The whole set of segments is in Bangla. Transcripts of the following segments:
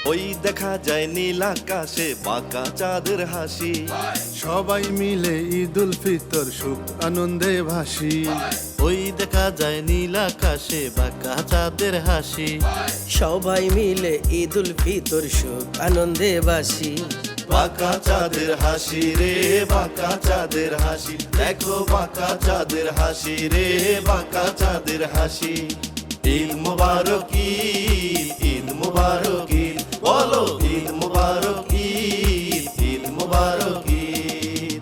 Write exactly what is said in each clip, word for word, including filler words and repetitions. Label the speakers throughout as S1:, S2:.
S1: ওই দেখা যায় নীল আকাশে বাঁকা চাঁদের হাসি।
S2: সবাই মিলে ঈদুল ফিতর সুখ আনন্দে ভাসি।
S3: ওই দেখা যায় নীল আকাশে বাঁকা চাঁদের হাসি।
S4: সবাই মিলে ঈদুল ফিতর সুখ আনন্দে বাসি।
S1: বাঁকা চাঁদের হাসি রে বাঁকা চাঁদের হাসি, দেখো বাঁকা চাঁদের হাসি রে বাঁকা চাঁদের হাসি। ঈদ মুবারক ঈদ, ঈদ মুবারক ঈদ, বলো ঈদ মুবারক ঈদ, ঈদ মুবারক ঈদ।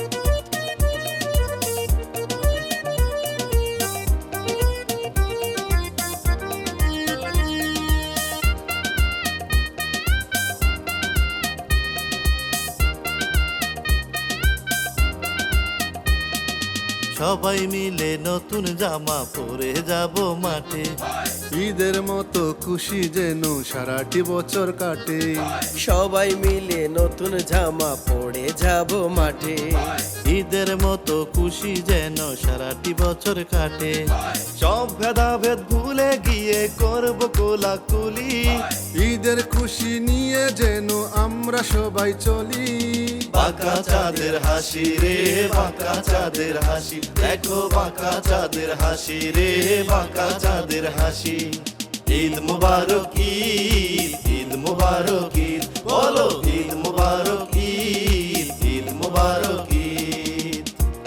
S3: সবাই মিলে নতুন জামা পরে যাব মাঠে।
S2: ঈদের মতো খুশি যেন সারাটি বছর কাটে।
S4: সবাই মিলে নতুন জামা পরে যাব মাঠে।
S3: ঈদের মতো খুশি যেন সারাটি বছর কাটে।
S1: সব ভেদাভেদ ভুলে গিয়ে করব কোলাকুলি।
S2: ঈদের খুশি নিয়ে যেন আমরা সবাই চলি।
S1: বাঁকা চাঁদের হাসি রে বাঁকা চাঁদের হাসি, দেখো বাঁকা চাঁদের হাসি রে বাঁকা চাঁদের হাসি। ঈদ মুবারক ঈদ, ঈদ মুবারক ঈদ, বলো ঈদ মুবারক ঈদ, ঈদ মুবারক ঈদ।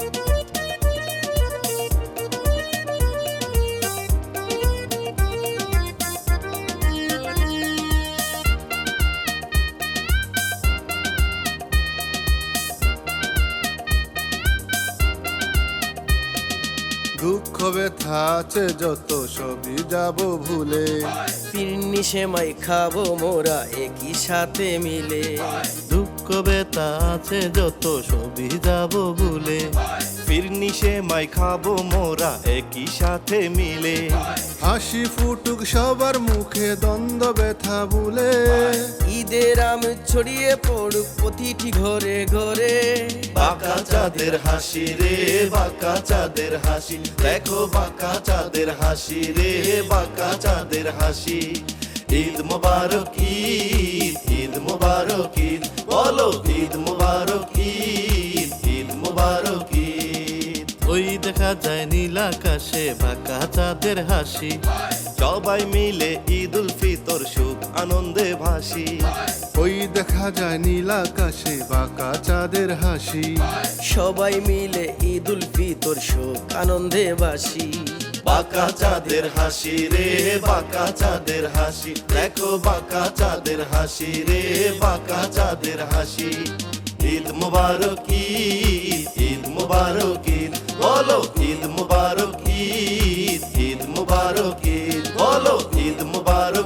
S2: দুঃখ ব্যথা আছে যত সবই যাব ভুলে।
S4: ফিরনি সেমাই খাবো মোরা একই সাথে মিলে।
S3: দুঃখ ব্যথা আছে যত সবই যাব ভুলে।
S1: ফিরনি সেমাই খাবো মোরা একই সাথে মিলে।
S2: হাসি ফুটুক সবার মুখে দ্বন্দ্ব ব্যথা ভুলে।
S4: ঈদের আমেজ ছড়িয়ে পড়ুক প্রতিটি ঘরে ঘরে।
S1: বাঁকা চাঁদের হাসি রে বাঁকা চাঁদের হাসি, দেখো বাঁকা চাঁদের হাসি রে বাঁকা চাঁদের হাসি। ঈদ মুবারক ঈদ, ঈদ মুবারক ঈদ, বলো ঈদ মুবারক ঈদ, ঈদ মুবারক ঈদ।
S3: ওই দেখা যায় নীল আকাশে বাঁকা চাঁদের হাসি।
S1: সবাই মিলে ঈদুল ফিতর সুখ আনন্দে ভাসি।
S2: ওই দেখা যায় নীল আকাশে বাঁকা চাঁদের হাসি।
S4: সবাই মিলে ঈদুল ফিতর সুখ আনন্দে বাসি।
S1: বাঁকা চাঁদের হাসি রে বাঁকা চাঁদের হাসি, দেখো বাঁকা চাঁদের হাসি রে বাঁকা চাঁদের হাসি। ঈদ মুবারক ঈদ, ঈদ মুবারক ঈদ, বলো ঈদ মুবারক ঈদ, ঈদ মুবারক ঈদ, বলো ঈদ মুবারক